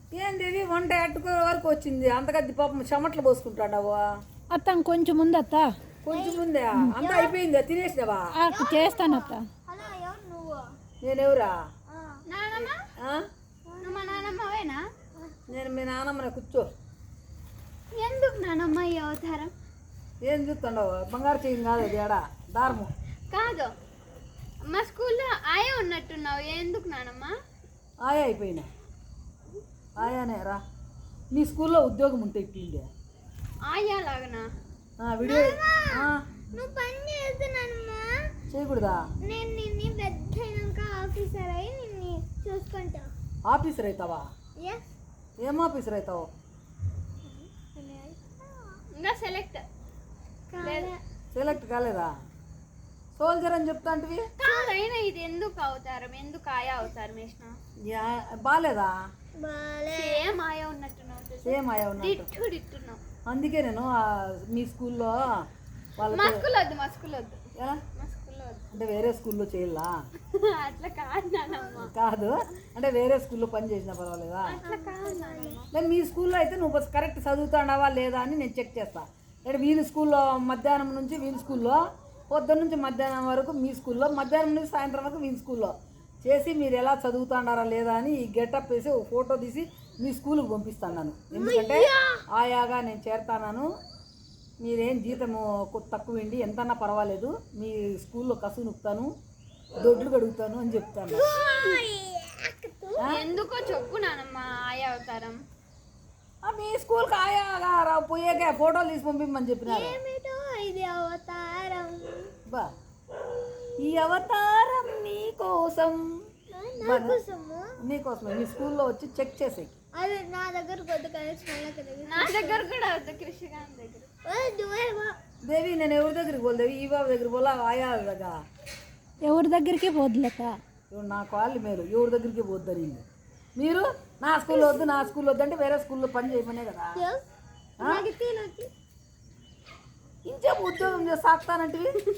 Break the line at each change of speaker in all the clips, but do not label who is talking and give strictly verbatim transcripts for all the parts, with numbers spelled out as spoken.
ఏంది వంట ఎట్టుకో వరకు వచ్చింది అంతకద్ది పాపం చెమట్లు పోసుకుంటాడావు.
అత్త కొంచెం ముందు అత్త,
కొంచెం ముందే అంతా అయిపోయిందా? తినేసినావా?
చేస్తాను అత్త.
నేనెవరా?
మా నానమ్మవేనా?
నేను మీ నానమ్మనే. కూర్చో.
ఎందుకు నానమ్మ ఈ అవతారం?
ఏం చూస్తుండవు? బంగారు చెయ్యి కాదు అది, ఎడా దారము
కాదు. మా స్కూల్లో ఆయా ఉన్నట్టున్నావు, ఎందుకు నానమ్మ?
ఆయా అయిపోయినా. ఆయానే రా. మీ స్కూల్లో ఉద్యోగం ఉంటే ఇట్లుండే
ఆయా లాగనా?
వీడియో
నువ్వు పని చేస్తున్నానమ్మా.
చేయకూడదా?
నేను నిన్ను పెద్ద అయినాక ఆఫీసర్ అయ్యి నిన్ను చూసుకుంటా.
ఆఫీసర్ అవుతావా? ఏం ఆఫీసర్ అవుతావు?
ఇంకా సెలెక్ట్
సెలెక్ట్ కాలేదా? సోల్జర్ అని చెప్తా అంటే
అయినా ఇది ఎందుకు అవతారం? ఎందుకు ఆయా అవతారం వేసిన?
బాలేదా?
సేమ్ ఆయా ఉన్నట్టున్నావు.
సేమ్ ఆయా
ఉన్నట్టు ఇట్టున్నావు.
అందుకే నేను మీ స్కూల్లో వాళ్ళ
మా స్కూల్ వద్దు, మా స్కూల్ వద్దు.
ఎలా
మా స్కూల్లో వద్దు
అంటే వేరే స్కూల్లో చేయాలా?
అట్లా కాదు నానమ్మ.
కాదు అంటే వేరే స్కూల్లో పని చేసినా పర్వాలేదా?
అట్లా కాదు నానమ్మ.
లేదు మీ స్కూల్లో అయితే నువ్వు కరెక్ట్ చదువుతాడావా లేదా అని నేను చెక్ చేస్తా. అంటే వీళ్ళ స్కూల్లో మధ్యాహ్నం నుంచి వీళ్ళ స్కూల్లో, పొద్దున్న నుంచి మధ్యాహ్నం వరకు మీ స్కూల్లో, మధ్యాహ్నం నుంచి సాయంత్రం వరకు వీళ్ళ స్కూల్లో చేసి మీరు ఎలా చదువుతాడారా లేదా అని ఈ గెటప్ వేసి ఒక ఫోటో తీసి మీ స్కూల్కి పంపిస్తాను. ఎందుకంటే ఆయాగా నేను చేరుతాను. మీరేం జీతము తక్కువ ఇండి ఎంతన్నా పర్వాలేదు, మీ స్కూల్లో కసు నొక్కుతాను, దొడ్లు కడుగుతాను అని చెప్తాను.
ఎందుకో చెప్పు నానమ్మ ఆయా అవతారం.
మీ స్కూల్కి ఆయాగా పోయాక ఫోటోలు తీసి పంపిమ్మని చెప్పినారు.
ఇది అవతారం
బా ఈ అవతారం నీకోసం, నీకోసమే మీ స్కూల్లో వచ్చి చెక్ చేసే.
అదే నా దగ్గర కొద్ది నా దగ్గర కూడా వద్దు, కృష్ణకాంత్ దగ్గర.
దేవి నేను ఎవరి దగ్గరికి పోలే, దేవి ఈ బాబు దగ్గర పోలా, ఆయా దగ్గర
ఎవరి దగ్గరికి పోదులేక
నా కాళ్ళు మేలు ఎవరి దగ్గరికి పోద్దని. మీరు నా స్కూల్లో వద్దు, నా స్కూల్లో వద్దు అంటే వేరే స్కూల్లో పని చేయమనే కదా. ఇంచే ఉద్యోగం చేసి సాగుతానంటే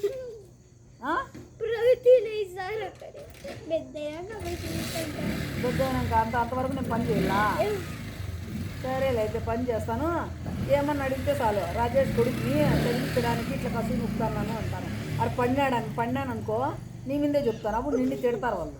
పెద్దయినాక అంత అంతవరకు నేను పని చేయాలా? సరేలే అయితే పని చేస్తాను. ఏమన్నా అడిగితే చాలు, రాజేష్ కొడుకుని చదివించడానికి ఇట్లా కసు నొక్కుతాను అంటాను. అది పడినాడు పడినాను అనుకో నీ మీదే చెప్తాను, అప్పుడు నిన్ను తిడతారు వాళ్ళు.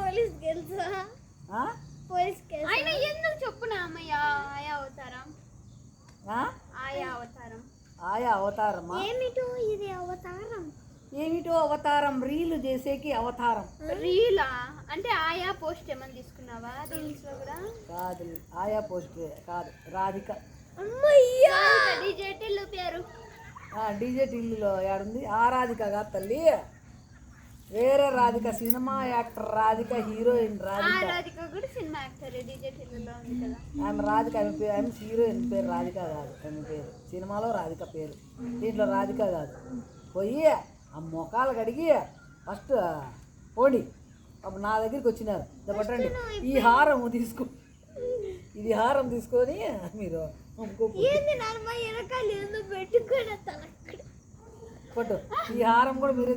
ఎందుకు చెప్పునా అమ్మయ్య ఆయా అవతారం? ఆయా అవతారం
ఆయా అవతారమా?
ఏమిటో ఇది అవతారం.
ఏమిటో అవతారం? రీలు చేసేకి అవతారం.
రీలా అంటే ఆయా పోస్ట్ ఏమని తీసుకున్నావా? రీల్స్ లో కూడా
కాదు, ఆయా పోస్ట్ కాదు, రాధిక.
డీజే టిల్లు పేరు.
డీజే టిల్లులో ఏడుంది? ఆ రాధిక కాదు తల్లి, వేరే Radhika, cinema actor Radhika, heroine Radhika.
Radhika కూడా సినిమా యాక్టర్, డీజే టిల్లులో ఉంది కదా.
ఆమె రాధిక, ఆమె పేరు, ఆమె హీరోయిన్ పేరు రాధిక కాదు, ఆమె పేరు సినిమాలో రాధిక పేరు, దీంట్లో రాధిక కాదు. పోయి ఆ మొఖాలు కడిగి ఫస్ట్ పోండి. అప్పుడు నా దగ్గరికి వచ్చినారు, పట్టండి ఈ హారం తీసుకో, ఇది హారం తీసుకొని మీరు పట్టు, ఈ హారం కూడా మీరు